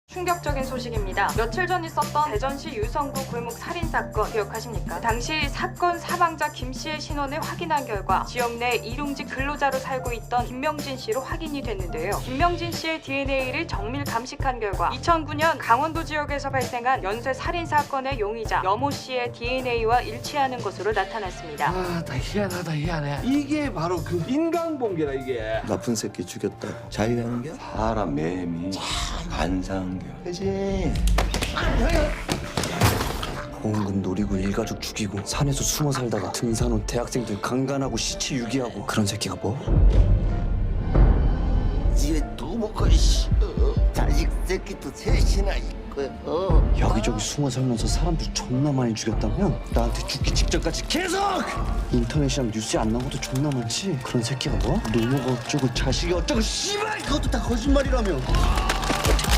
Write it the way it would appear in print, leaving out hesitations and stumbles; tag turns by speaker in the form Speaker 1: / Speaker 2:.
Speaker 1: 충격적인 소식입니다. 며칠 전 있었던 대전시 유성구 골목 살인사건 기억하십니까? 당시 사건 사망자 김 씨의 신원을 확인한 결과 지역 내 일용직 근로자로 살고 있던 김명진 씨로 확인이 됐는데요. 김명진 씨의 DNA를 정밀 감식한 결과 2009년 강원도 지역에서 발생한 연쇄 살인사건의 용의자 여모 씨의 DNA와 일치하는 것으로 나타났습니다.
Speaker 2: 아, 나 희한해. 이게 바로 그 인간봉계다 이게.
Speaker 3: 나쁜 새끼 죽였다. 자기가는 게?
Speaker 4: 사람 매미 반상겨.
Speaker 3: 그지. 보험금 노리고 일가족 죽이고 산에서 숨어 살다가 등산 온 대학생들 강간하고 시체 유기하고 그런 새끼가 뭐?
Speaker 5: 집에 두부가 있어. 자식 새끼도 셋이나 있고.
Speaker 3: 여기저기 숨어 살면서 사람들 존나 많이 죽였다며? 나한테 죽기 직전까지 계속! 인터넷이랑 뉴스에 안 나온 것도 존나 많지? 그런 새끼가 뭐? 노모가 어쩌고 자식이 어쩌고 씨발 그것도 다 거짓말이라며.